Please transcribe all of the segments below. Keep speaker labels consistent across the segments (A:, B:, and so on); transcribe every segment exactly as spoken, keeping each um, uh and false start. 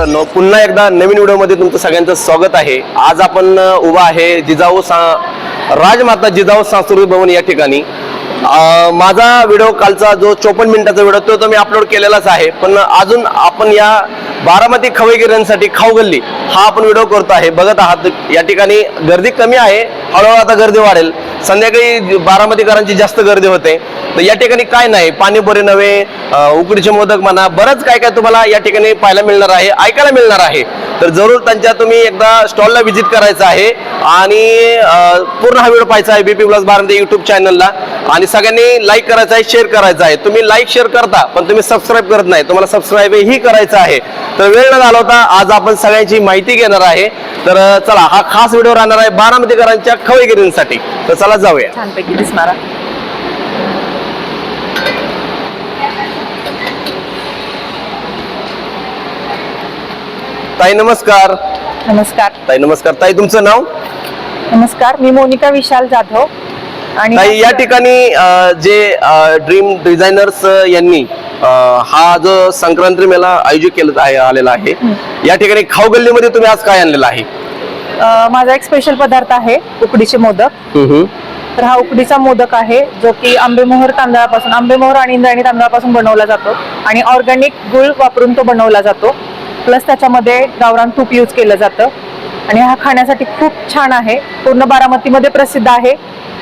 A: मित्रांनो, पुन्हा एकदा नवीन व्हिडिओमध्ये तुमचं सगळ्यांचं स्वागत आहे। आज आपण उभा आहे जिजाऊ राजमाता जिजाऊ सांस्कृतिक भवन या ठिकाणी। माझा व्हिडिओ कालचा जो चोपन्न मिनिटाचा व्हिडिओ तो मी अपलोड केलेलाच आहे, पण अजून आपण या बारामती खवईगिऱ्यांसाठी खाऊ गल्ली हा आपण व्हिडिओ करतो आहे। बघत आहात या ठिकाणी गर्दी कमी आहे, हळूहळू आता गर्दी वाढेल। संध्याकाळी बारामतीकरांची जास्त गर्दी होते। तर या ठिकाणी काय नाही, पाणीपुरी नव्हे, उकडीचे मोदक म्हणा, बरंच काय काय तुम्हाला या ठिकाणी पाहायला मिळणार आहे, ऐकायला मिळणार आहे। तर जरूर त्यांच्या तुम्ही एकदा स्टॉलला व्हिजिट करायचं आहे आणि पूर्ण हा व्हिडिओ पाहायचा आहे बीपी ब्लॉग्स बारामती यूट्यूब चॅनलला। आणि सगळ्यांनी लाईक करायचं आहे, शेअर करायचं आहे। तुम्ही लाईक शेअर करता पण तुम्ही सबस्क्राईब करत नाही, तुम्हाला सबस्क्राईब ही करायचं आहे। तर वेळ न घालवता आज आपण सगळ्यांची माहिती घेणार आहे। तर चला, हा खास व्हिडिओ राहणार आहे बारामतीकरांच्या खवईगिरींसाठी। तर चला जाऊया।
B: छानपैकी दिसणारा
A: ताई नमस्कार।
B: नमस्कार
A: ताई नमस्कार। ताई तुमचं नाव?
B: नमस्कार, मी मोनिका विशाल जाधव। आणि
A: ताई या ठिकाणी जे ड्रीम डिझायनर्स यांनी हा जो संक्रांती मेळा आयोजित केला आहे आलेला आहे, या ठिकाणी खाऊ गल्लीमध्ये तुम्ही आज काय आणलेलं आहे?
B: माझा एक स्पेशल पदार्थ आहे उकडीचे मोदक। तर हा उकडीचा मोदक आहे जो की आंबेमोहर तांदळापासून आंबेमोहर आणि इंद्रायणी तांदळापासून बनवला जातो आणि ऑर्गॅनिक गुळ वापरून तो बनवला जातो। प्लस त्याच्यामध्ये गावरान तूप यूज केलं जातं आणि हा खाण्यासाठी खूप छान आहे, पूर्ण बारामतीमध्ये प्रसिद्ध आहे।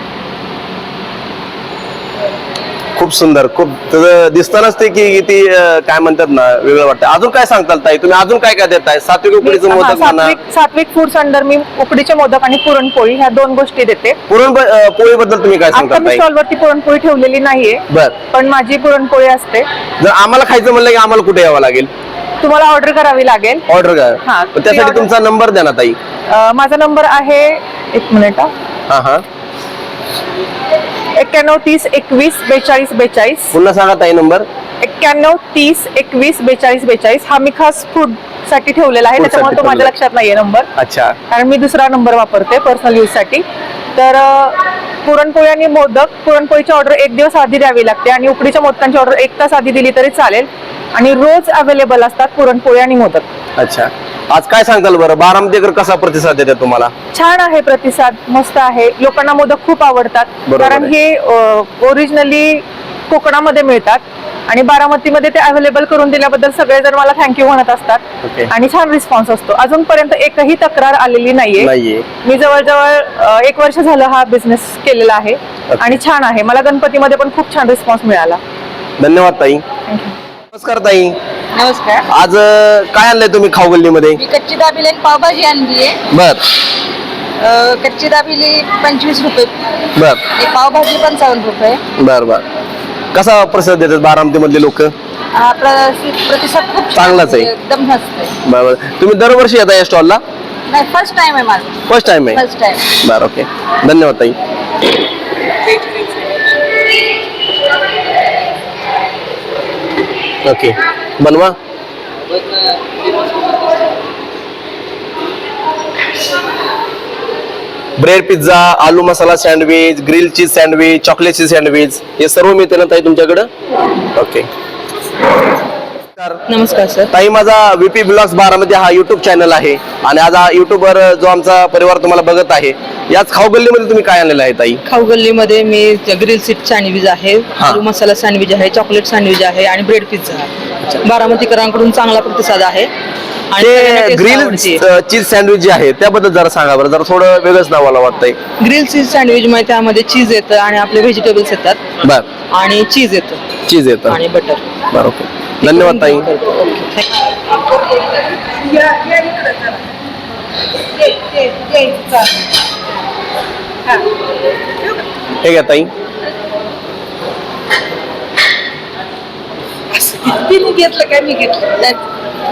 A: खूप सुंदर, खूप दिसतानाच ते की किती काय म्हणतात ना, वेगळं वाटतं। अजून काय सांगताल ताई तुम्ही? अजून काय काय देताय? सात्विक उकडीचं मोदक म्हणा,
B: सात्विक फूड्स अंडर मी उकडीचे मोदक आणि पुरणपोळी ह्या दोन गोष्टी देते।
A: पुरणपोळी बद्दल तुम्ही काय सांगताल ताई?
B: स्टॉल वरती पुरणपोळी ठेवलेली नाहीये, पण माझी पुरणपोळी असते।
A: जर आम्हाला खायचं म्हणलं की आम्हाला कुठे यावं लागेल?
B: तुम्हाला ऑर्डर करावी लागेल।
A: ऑर्डर करा, त्यासाठी तुमचा नंबर द्या ना ताई।
B: माझा नंबर आहे, एक मिनिट
A: हा हा
B: एक्क्याण्णव तीस एकवीस बेचाळीस बेचाळीस।
A: पुन्हा सांगा ताई नंबर।
B: एक्क्याण्णव तीस एकवीस बेचाळीस बेचाळीस। हा मी खास फूड साठी ठेवलेला आहे, त्याच्यामुळे तो माझ्या लक्षात नाहीये नंबर।
A: अच्छा,
B: कारण मी दुसरा नंबर वापरते पर्सनल यूज साठी। तर पुरणपोळी आणि मोदक, पुरणपोळीची ऑर्डर एक दिवस आधी द्यावी लागते आणि उकडीच्या मोदकांची ऑर्डर एक तास आधी दिली तरी चालेल आणि रोज अवेलेबल असतात पुरणपोळी आणि मोदक।
A: अच्छा, आज काय सांगताल बरं, बारामतीकर कसा प्रतिसाद देतात तुम्हाला?
B: छान आहे प्रतिसाद, मस्त आहे। लोकांना मोदक खूप आवडतात, कारण हे ओरिजिनली कोकणामध्ये मिळतात आणि बारामतीमध्ये ते अवेलेबल करून दिल्याबद्दल सगळेजण मला थँक्यू म्हणत असतात आणि छान रिस्पॉन्स असतो। अजूनपर्यंत एकही तक्रार आलेली नाहीये। मी जवळजवळ एक वर्ष झालं हा बिझनेस केलेला आहे आणि छान आहे। मला गणपतीमध्ये पण खूप छान रिस्पॉन्स मिळाला।
A: धन्यवाद ताई। नमस्कार ताई।
C: नमस्कार।
A: आज काय आणलंय तुम्ही खाऊ गल्लीमध्ये?
C: मी कच्ची दाबेली आणि पावभाजी आणली आहे।
A: बर।
C: कच्ची दाबेली पंचवीस रुपये,
A: बर,
C: पावभाजी पंचावन्न रुपये।
A: बर बर। कसा प्रतिसाद देतात बारामती मधले लोक?
C: प्रतिसाद खूप
A: चांगलाच आहे,
C: एकदम मस्त आहे।
A: बरोबर। तुम्ही दरवर्षी येता या स्टॉलला?
C: नाही, फर्स्ट टाइम आहे माझं।
A: फर्स्ट टाइम आहे?
C: First time.
A: बर, ओके, धन्यवाद ताई। ओके, बनवा। ब्रेड पिझ्झा, आलू masala sandwich, grill cheese sandwich, chocolate cheese sandwich हे सर्व मिळते ना ताई तुमच्याकडे? ओके,
C: नमस्कार सर।
A: ताई, माझा व्हीपी ब्लॉग्स बारामती हा युट्यूब चॅनल आहे आणि आज हा युट्यूबवर जो आमचा परिवार तुम्हाला बघत आहे, याच खाऊ गल्लीमध्ये तुम्ही काय आणलेलं आहे ताई?
D: खाऊ गल्लीमध्ये मी ग्रिल सीट सँडविच आहे, आलू मसाला सँडविच आहे, चॉकलेट सँडविच आहे आणि ब्रेड पिझ्झा। बारामतीकरांकडून चांगला प्रतिसाद आहे।
A: आणि ग्रिल चीज सँडविच जे आहे त्याबद्दल जरा सांगा बरं, जरा थोडं वेगळंच नाव मला वाटतंय।
D: ग्रिल चीज सँडविच मध्ये त्यामध्ये चीज येतं आणि आपले व्हेजिटेबल्स येतात।
A: बर,
D: आणि चीज येतं,
A: चीज येतं
D: आणि बटर।
A: बरं, ओके, धन्यवाद ताई। हे घ्या ताई।
C: घेतलं काय? मी घेतलं।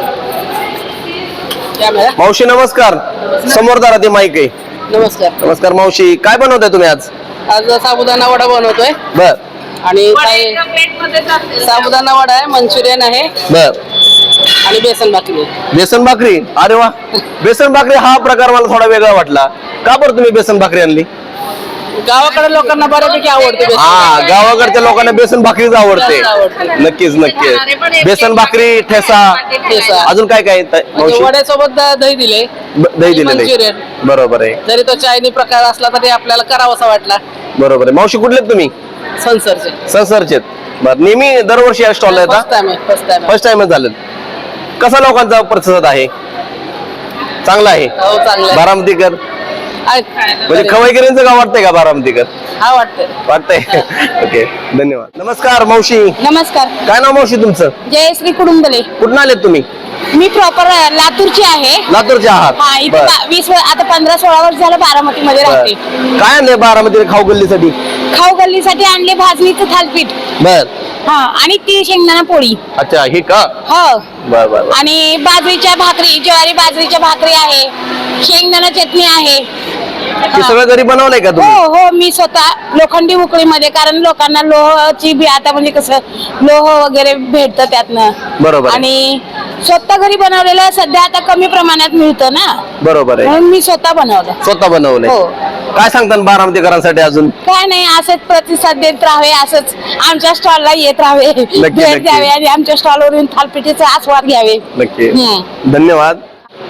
A: मावशी नमस्कार। समोर जरा ते माईक आहे।
D: नमस्कार।
A: नमस्कार मावशी, काय बनवताय तुम्ही आज?
D: आज साबुदाणा वडा बनवतोय।
A: बर।
D: आणि साबुदाणा वडा आहे, मंचुरियन आहे,
A: बर,
D: आणि बेसन भाकरी।
A: बेसन भाकरी? अरे वा, बेसन भाकरी हा प्रकार मला थोडा वेगळा वाटला। का बरं तुम्ही बेसन भाकरी आणली?
D: गावाकडे लोकांना बऱ्यापैकी आवडते बेसन.
A: हा गावाकडच्या लोकांना बेसन भाकरीच आवडते
D: जास्त आवडते.
A: नक्कीच नक्कीच बेसन भाकरी ठेसा
D: ठेसा.
A: अजून काय काय आहे,
D: म्हणजे
A: मावशी?
D: वड्यासोबत द- दही दिले
A: ब- दही दिलेलं आहे.
D: मंचुरियन.
A: बरोबर आहे
D: जरी तो चायनी प्रकार असला तरी आपल्याला करावासा वाटला.
A: बरोबर आहे मावशी कुठले आहेत तुम्ही
D: संसरचे
A: संसरचे बर नेहमी दरवर्षी या स्टॉलला
D: फर्स्ट
A: येतात
D: टाइम आहे फर्स्ट टाइम
A: फर्स्ट टाइमच झालं कसा लोकांचा प्रतिसाद आहे चांगला आहे
D: हो चांगलं आहे.
A: बारामतीकर म्हणजे
D: आहे.
A: खवईकरांचं गाव वाटतंय का बारामतीकर
D: हा वाटतंय.
A: वाटतंय ओके धन्यवाद नमस्कार मावशी
C: नमस्कार
A: काय नाव मावशी तुमचं
C: जयश्री कुडुंबले
A: कुठून आलेत तुम्ही
C: मी प्रॉपर लातूरची आहे.
A: लातूरचे
C: हा
A: आहात
C: इथे
A: बर
C: बा- वीस वर- आता पंधरा सोळा वर्ष झालं बारामती मध्ये
A: बर.
C: राहते.
A: काय आणलंय बारामती खाऊ गल्लीसाठी
C: खाऊ गल्लीसाठी आणले भाजणीचं थालपीठ
A: बर
C: हा आणि ती शेंगदाणा पोळी
A: अच्छा हे का
C: हो
A: बर बर बर.
C: आणि बाजरीच्या भाकरी ज्वारी बाजरीच्या भाकरी आहे शेंगदाणा चटणी आहे.
A: हे सगळं घरी बनवलंय का
C: हो
A: तुम्ही
C: हो मी स्वतः लोखंडी उकळीमध्ये कारण लोकांना लोहाची बी आता म्हणजे कसं लोह वगैरे भेटतं त्यातनं
A: बरोबर आहे.
C: आणि स्वतः घरी बनवलेलं सध्या आता कमी प्रमाणात मिळतं ना
A: बरोबर आहे
C: म्हणून मी स्वतः बनवलं.
A: स्वतः बनवलंय
C: हो.
A: काय सांगतात बारामतीकरांसाठी अजून
C: काय नाही असंच प्रतिसाद देत राहावे असंच आमच्या स्टॉलला येत राहावे भेट
A: नक्की.
C: द्यावे आणि आमच्या स्टॉलवरून थालपिठीचा आस्वाद घ्यावे.
A: नक्की
C: हम्म.
A: धन्यवाद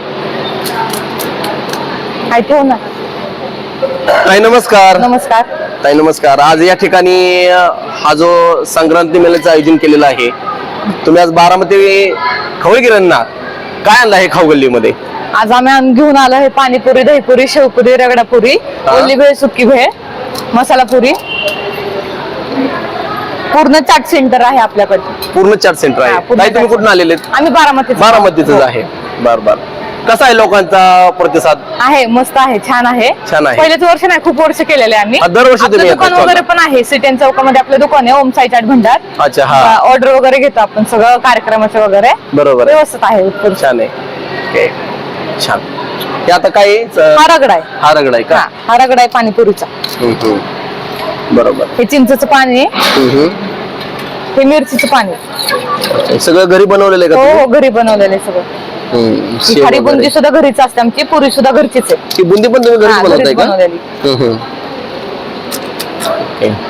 B: काय ठेवू ना
A: ताई नमस्कार
B: नमस्कार
A: ताई नमस्कार आज या ठिकाणी अ, हा जो संक्रांती मेळ्याचं आयोजन केलेलं आहे तुम्ही आज बारामती खवईगिरांना काय आणलं आहे खाऊ गल्लीमध्ये
B: आज आम्ही आण- घेऊन आलो हे पाणीपुरी दहीपुरी शेवपुरी रगडापुरी
A: हा.
B: ओली भेळ सुकी भेळ मसाला पुरी पूर्ण चाट सेंटर आहे आपल्याकडे
A: पूर्ण चाट सेंटर
B: हा,
A: आहे
B: पूर्ण
A: ताई तुम्ही
B: चाट
A: कुठून आलेले आहेत?
B: आम्ही बारामती
A: बारामतीच आहे बर बर कसा आहे लोकांचा प्रतिसाद
B: आहे मस्त आहे छान आहे
A: छान आहे.
B: पहिलेच वर्ष नाही खूप वर्ष केलेले आम्ही
A: हा, दरवर्षी
B: आपलं
A: तुम्ही
B: दुकान
A: येता
B: वगैरे पण आहे सिटीन चौकामध्ये आपलं दुकान आहे ओम साई चाट भंडार
A: अच्छा हा
B: ऑर्डर वगैरे घेतो आपण सगळं कार्यक्रमाचे वगैरे
A: बरोबर आहे.
B: व्यवस्थित आहे उत्कृष्ट.
A: छान आहे ओके छान हे आता काय आहे?
B: हा
A: च-
B: रगडा आहे
A: हा रगडा आहे का
B: हा हा रगडा आहे पाणीपुरीचा
A: हम्म, हम्म. बरोबर
B: हे चिंचेचं पाणी आहे
A: हम्म, हम्म.
B: हे मिरचीचं पाणी
A: हे सगळं घरी बनवलेलं आहे का
B: हो
A: तुम्ही?
B: हो घरी बनवलेलं आहे सगळं
A: हम्म,
B: ही
A: शेव
B: खारी
A: वगैरे.
B: बुंदी सुद्धा घरीच असते आमची पुरी सुद्धा घरचीच आहे
A: ही बुंदी पण तुम्ही घरीच
B: हा,
A: बनवताय
B: घरीच
A: का
B: बनवलेली.
A: हम्म, हम्म. ओके.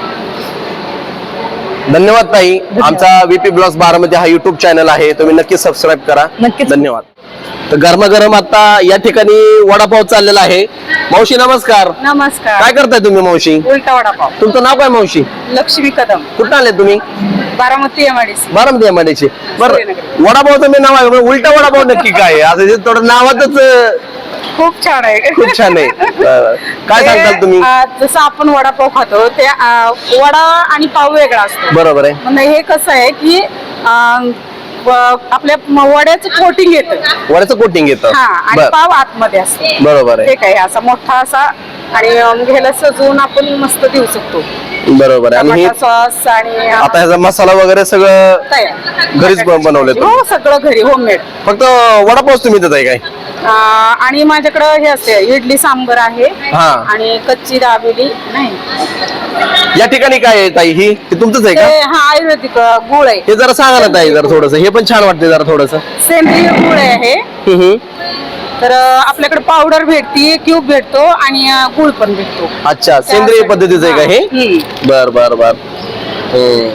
A: धन्यवाद ताई आमचा व्हीपी ब्लॉग्स बारामती हा युट्यूब चॅनल आहे तुम्ही नक्की सबस्क्राईब करा
B: नक्कीच.
A: धन्यवाद तर गरमागरम आता या ठिकाणी वडापाव चाललेला आहे मावशी नमस्कार
B: नमस्कार
A: काय करताय तुम्ही मावशी
B: उलटा वडापाव
A: तुमचं नाव काय मावशी
B: लक्ष्मी कदम
A: कुठं आले तुम्ही
B: बारामती एमआयडीसी
A: बारामती एमआयडीची बरं
B: सूर्यनगर.
A: वडापावचं मी नाव आहे पण उलटा वडापाव नक्की काय आहे असं जे थोडं नावातच अं,
B: खूप छान आहे
A: खूप छान आहे बरं. काय
B: ते,
A: सांगताल तुम्ही
B: आ, जसं आपण वडापाव खातो ते आ, वडा आणि पाव वेगळा असतो
A: बरोबर आहे
B: म्हणजे हे कसं आहे की आ, व- आपल्या म- वड्याचं कोटिंग येतं
A: वड्याचं कोटिंग येतं
B: हा आणि
A: बर
B: पाव आतमध्ये असतो
A: बरोबर आहे
B: ते काय असा मोठा असा आणि अम, ह्याला सजवून आपण मस्त देऊ शकतो
A: बरोबर आहे आणि हे
B: टमाटा सॉस आणि आ,
A: आता ह्याचा मसाला वगैरे सगळं
B: तयार
A: घरीच ब- बनवलंय तुम्ही?
B: हो सगळं घरी होममेड
A: फक्त वडापावच तुम्ही देत आहे काय
B: आणि माझ्याकडं हे असते इडली सांबर आहे
A: हा.
B: आणि कच्ची दाबेली नाही
A: या ठिकाणी काय आहे ताई ही हे तुमचंच आहे
B: ते
A: का
B: हा आयुर्वेदिक अ, गुळ आहे
A: हे जरा सांगा ना ताई जरा थोडस हे पण छान वाटते जरा थोडस
B: सेंद्रिय गुळ आहे तर अ, आपल्याकडे पावडर भेटते क्यूब भेटतो आणि अ, गुळ पण भेटतो
A: अच्छा सेंद्रिय पद्धतीचं आहे का हे
B: हम्म.
A: बर बर बर हम्म.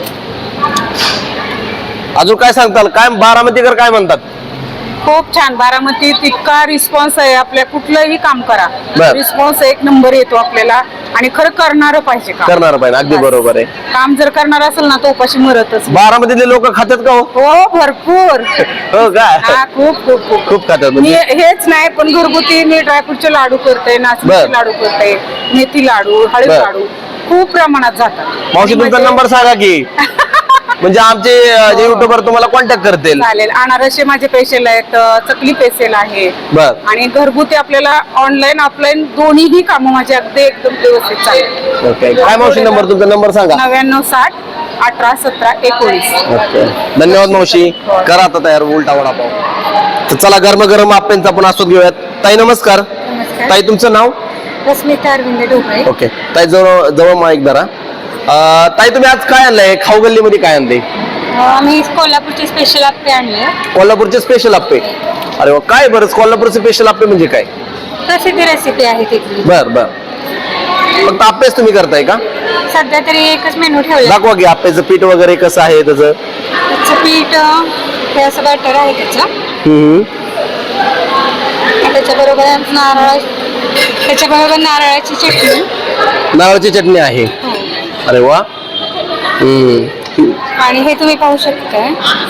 A: अजून काय सांगताल काय बारामतीकर काय म्हणतात
B: खूप छान बारामती तितका रिस्पॉन्स आहे आपल्या कुठलंही काम करा
A: बर.
B: रिस्पॉन्स एक नंबर येतो आपल्याला आणि खरं करणार पाहिजे काम
A: करणार पाहिजे अगदी बरोबर आहे
B: काम जर करणार असेल ना तो उपाशी मरतच
A: बारामतीतले लोक खातात का हो
B: हो भरपूर
A: हो का
B: हा खूप खूप खूप
A: खूप खातात
B: मी
A: म्हणजे
B: हेच नाही पण घरगुती मी ड्रायफ्रूटचे लाडू करते
A: बर.
B: नाचणीचे लाडू करते मेथी लाडू हळद
A: बर.
B: लाडू खूप प्रमाणात जातात
A: मावशी तुमचा
B: म्हणजे-
A: नंबर सांगा की म्हणजे आमचे अं, जे युट्यूबर तुम्हाला कॉन्टॅक्ट करतील
B: चालेल अनारसे माझे पेशल आहेत अ, चकली पेशल आहे
A: बर
B: आणि घरगुती आपल्याला ऑनलाईन ऑफलाईन दोन्हीही कामं माझे अगदी एकदम व्यवस्थित चालेल
A: ओके काय मावशी नंबर तुमचा नंबर सांगा
B: नव्याण्णव साठ अठरा सतरा एकोणीस
A: ओके धन्यवाद मावशी करा आता तयार उलटा वडापाव तर चला गरम गरम आप्यांचा आपण आस्वाद घेऊयात ताई नमस्कार ताई तुमचं नाव
C: रश्मिता अरविंद ढोबळे
A: ओके ताई जवळ जवळ मा एक धरा अं, ताई तुम्ही आज काय आणलंय खाऊ गल्लीमध्ये काय आणले
C: आम्ही कोल्हापूरचे स्पेशल आप्पे आणले
A: कोल्हापूरचे स्पेशल आप्पे अरे वा काय बरं कोल्हापूरचे स्पेशल आप्पे म्हणजे काय
C: प्रसिद्ध रेसिपी आहे तिथली
A: बर बर फक्त आप्पेच तुम्ही करताय का?
E: सध्या तरी एकच मेनू ठेवला.
A: दाखवा की आप्पेचं पीठ वगैरे कसं आहे त्याचं.
E: त्याचं पीठ हे असं बॅटर आहे त्याचं.
A: हम्म.
E: त्याच्याबरोबर नारळ त्याच्याबरोबर नारळाची चटणी.
A: नारळाची चटणी आहे. अरे वा. हम्म.
E: आणि हे तुम्ही पाहू शकता.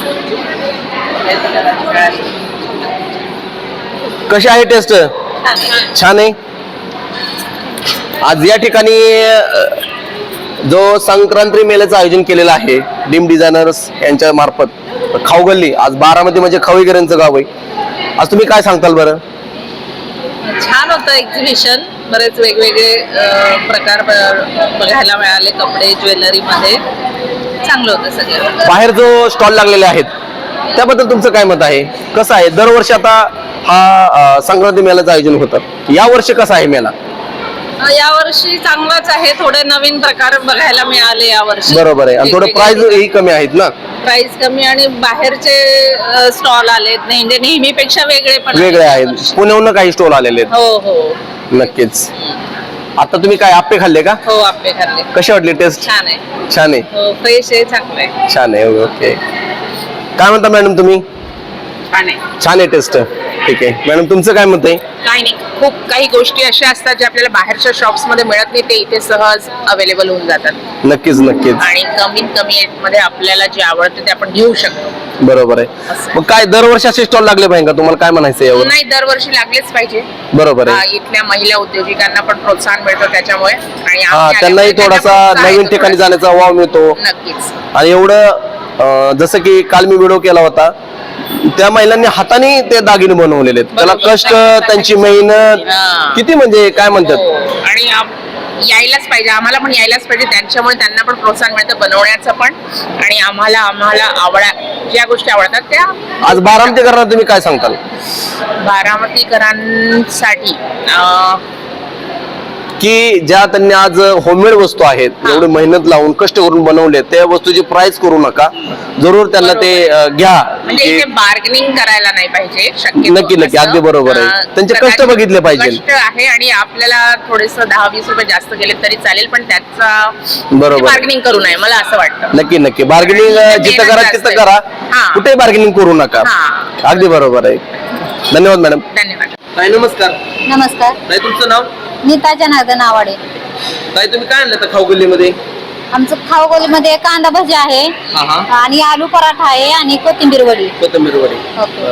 A: कशी आहे टेस्ट? छान आहे. आज या ठिकाणी अ, जो संक्रांती मेळ्याचं आयोजन केलेलं आहे डीम डिझायनर्स यांच्या मार्फत खाऊ गल्ली, आज बारामती म्हणजे खवईकरांचं गाव आहे. आज तुम्ही काय सांगताल बरं?
F: छान होतं एक्झिबिशन. बरेच वेगवेगळे अ, प्रकार ब- बघायला मिळाले. कपडे ज्वेलरी मध्ये चांगलं होतं सगळं.
A: बाहेर जो स्टॉल लागलेले आहेत त्याबद्दल तुमचं काय मत आहे? कसं आहे? दरवर्षी आता हा अ, संक्रांती मेळ्याचं आयोजन होतं, या वर्षी कसा आहे मेळा?
F: अ, यावर्षी चांगलाच आहे. थोडे नवीन प्रकार बघायला मिळाले यावर्षी.
A: बरोबर आहे. आणि थोडं प्राइस ही कमी आहेत ना.
F: प्राइस कमी आणि बाहेरचे स्टॉल आलेत म्हणजे नेहमीपेक्षा वेगळे पण
A: वेगळे आहेत.
F: यावर्षी.
A: पुण्याहून काही स्टॉल आलेले आहेत.
F: हो हो
A: नक्कीच. आता तुम्ही काय आप्पे खाल्ले का?
F: हो आप्पे खाल्ले.
A: कसे वाटले टेस्ट?
F: छान आहे.
A: छान आहे.
F: हो फ्रेश आहे. चांगलं आहे.
A: छान आहे. ओके. काय म्हणता मॅडम तुम्ही?
F: छान आहे.
A: छान आहे टेस्ट. ठीक आहे मॅडम, तुमचं काय मत आहे?
G: काही नाही, खूप काही गोष्टी अशा असतात ज्या आपल्याला बाहेरच्या शॉप्स मध्ये मिळत नाही, ते इथे सहज अवेलेबल होऊन जातात.
A: नक्कीच नक्कीच.
G: आणि कमीत कमी रेट मध्ये आपल्याला जे आवडतं ते आपण घेऊ शकतो.
A: बरोबर आहे. मग काय दरवर्षी असे स्टॉल लागले पाहिजे का? तुम्हाला काय म्हणायचं यावर?
G: नाही, दरवर्षी लागलेच पाहिजे.
A: बरोबर
G: हा,
A: आहे.
G: इथल्या महिला उद्योजकांना पण प्रोत्साहन मिळतं त्याच्यामुळे. आणि
A: हा,
G: आम्ही
A: त्यांनाही
G: आल्यामुळे
A: थोडासा
G: त्यांना प्रोत्साहन
A: नवीन
G: येतं
A: ठिकाणी
G: थोडंसं.
A: जाण्याचा वाव मिळतो.
G: नक्कीच.
A: आणि एवढं अं, जसं की काल मी व्हिडिओ केला होता, त्या महिलांनी हाताने ते दागिने बनवलेले आहेत. त्याला
G: बरोबर.
A: कष्ट, त्यांची मेहनत
G: हा.
A: किती म्हणजे काय म्हणतात.
G: हो. आणि आप- यायलाच पाहिजे, आम्हाला पण यायलाच पाहिजे. त्यांच्यामुळे त्यांना पण प्रोत्साहन मिळतं बनवण्याचं पण. आणि आम्हाला आम्हाला आवडा ज्या गोष्टी आवडतात त्या
A: आज बारामती करणार तुम्ही काय सांगताल?
G: बारामतीकरांसाठी अं,
A: की ज्या त्यांनी आज होममेड वस्तू आहेत, एवढी मेहनत लावून कष्ट करून बनवले, त्या वस्तूची प्राइस करू नका. जरूर त्यांना ते अं, घ्या.
G: म्हणजे
A: की
G: इथे बार्गेनिंग करायला नाही पाहिजे शक्यतो.
A: नक्की, नक्की.
G: असं,
A: अगदी बरोबर आहे.
G: अं,
A: त्यांचे कष्ट
G: कदाचित
A: बघितले पाहिजे.
G: कष्ट आहे आणि आपल्याला थोडेस दहा वीस रुपये जास्त गेले तरी चालेल, पण त्याचा
A: बरोबर.
G: बार्गेनिंग करू नये, मला असं वाटतं.
A: नक्की नक्की. बार्गेनिंग
G: आणि
A: जिथं
G: मेहनत
A: करा
G: जास्त
A: तिथं
G: आहे.
A: करा.
G: हा.
A: कुठे बार्गेनिंग करू नका.
G: हा.
A: अगदी बरोबर आहे. धन्यवाद मॅडम.
G: धन्यवाद.
A: ताई नमस्कार.
E: नमस्कार.
A: ताई तुमचं नाव?
E: नीता जनार्दन आवाडे.
A: ताई तुम्ही काय आणलं खाऊ गल्लीमध्ये?
E: आमचं खाऊगोलीमध्ये कांदा भजी आहे
A: हा हा.
E: आणि आलू पराठा आहे आणि कोथिंबीर वडी.
A: कोथिंबीर वडी.
E: ओके.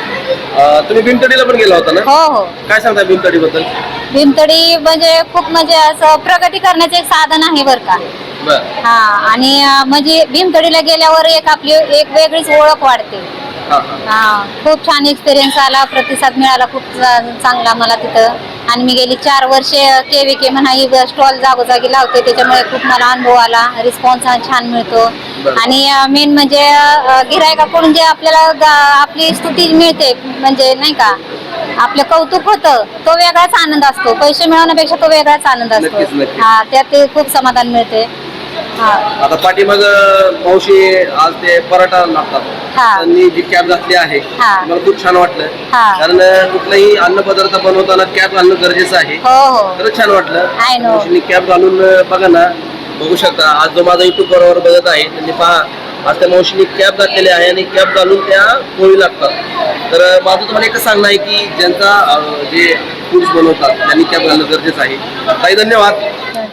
A: अं, तुम्ही भीमतडीला पण गेला होता ना?
E: हो हो.
A: काय सांगता भीमतडी बद्दल?
E: भीमतडी म्हणजे खूप म्हणजे असं प्रगती करण्याचे एक साधन आहे बरं का.
A: बर.
E: हा. आणि अं, म्हणजे भीमतडीला गेल्यावर एक आपली एक वेगळीच ओळख वाढते.
A: हा हा.
E: हा. खूप छान एक्सपिरियन्स आला, प्रतिसाद मिळाला खूप चा- चांगला मला तिथं. आणि मी गेली चार वर्षे के व्ही के म्हणा ही स्टॉल जागोजागी लावते, त्याच्यामुळे खूप मला अनुभव आला. रिस्पॉन्स छान मिळतो.
A: बरं.
E: आणि मेन म्हणजे अं, गिऱ्हाईकाकडून जे आपल्याला गा- आपली स्तुती मिळते, म्हणजे नाही का आपलं कौतुक होतं, तो वेगळाच आनंद असतो. पैसे मिळवण्यापेक्षा तो वेगळाच आनंद असतो.
A: नक्कीच, नक्कीच.
E: हा. त्यात ते खूप समाधान मिळते. हा.
A: आता पाठीमाग मावशी आज ते पराठा लागतात,
E: हा.
A: त्यांनी जी कॅप घातली आहे
E: हा.
A: मला खूप छान वाटलं.
E: हा.
A: कारण कुठलाही अन्न पदार्थ बनवताना कॅप घालणं गरजेचं आहे.
E: हो हो.
A: खरंच छान वाटलं.
E: I know.
A: मावशींनी कॅप घालून अं, बघा ना, बघू शकता. आज जो माझा युट्यूब बरोबर बघत आहे त्यांनी पहा, आज त्या मावशींनी कॅप घातलेली आहे आणि कॅप घालून त्या पोळी लागतात. तर अं, माझं तुम्हाला एकच सांगणं आहे की ज्यांचा अं, जे फूड्स बनवतात त्यांनी कॅप घालणं गरजेचं आहे. ताई धन्यवाद.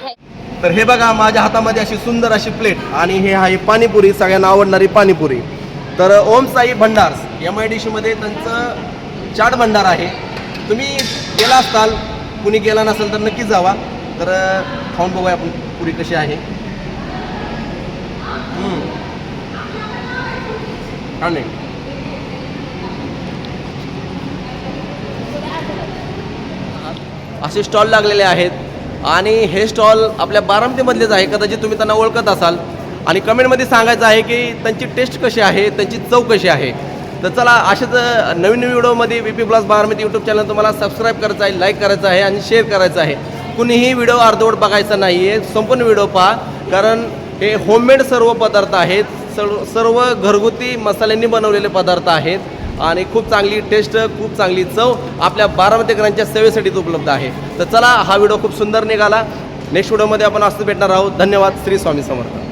A: तर हे बघा माझ्या हातामध्ये अशी सुंदर अशी प्लेट आणि हे आहे पाणीपुरी, सगळ्यांना आवडणारी पाणीपुरी. तर Om Sai Bhandars M I D मध्ये त्यांचं चाट भंडार आहे. तुम्ही गेला असताल, कुणी गेला नसेल तर नक्की जावा. तर खाऊन बघूया आपण पुरी कशी आहे. हम्म. छान आहे. असे स्टॉल लागलेले आहेत आणि हे स्टॉल आपल्या बारामतीमधलेच आहे. कदाचित तुम्ही त्यांना ओळखत असाल. आणि कमेंटमध्ये सांगायचं आहे की त्यांची टेस्ट कशी आहे, त्यांची चव कशी आहे. तर चला अशाच नवीन नवीन व्हिडिओमध्ये B P plus Baramati YouTube channel तुम्हाला सबस्क्राईब करायचं आहे, लाईक करायचं आहे आणि शेअर करायचं आहे. कुणीही व्हिडिओ अर्धवट बघायचा नाही आहे, संपूर्ण व्हिडिओ पहा. कारण हे होममेड सर्व पदार्थ आहेत, सर्व सर्व घरगुती मसाल्यांनी बनवलेले पदार्थ आहेत आणि खूप चांगली टेस्ट, खूप चांगली चव आपल्या बारामतीकरांच्या सेवेसाठीच उपलब्ध आहे. तर चला हा व्हिडिओ खूप सुंदर निघाला. नेक्स्ट व्हिडिओमध्ये आपण असं भेटणार आहोत. धन्यवाद. श्री स्वामी समर्थ.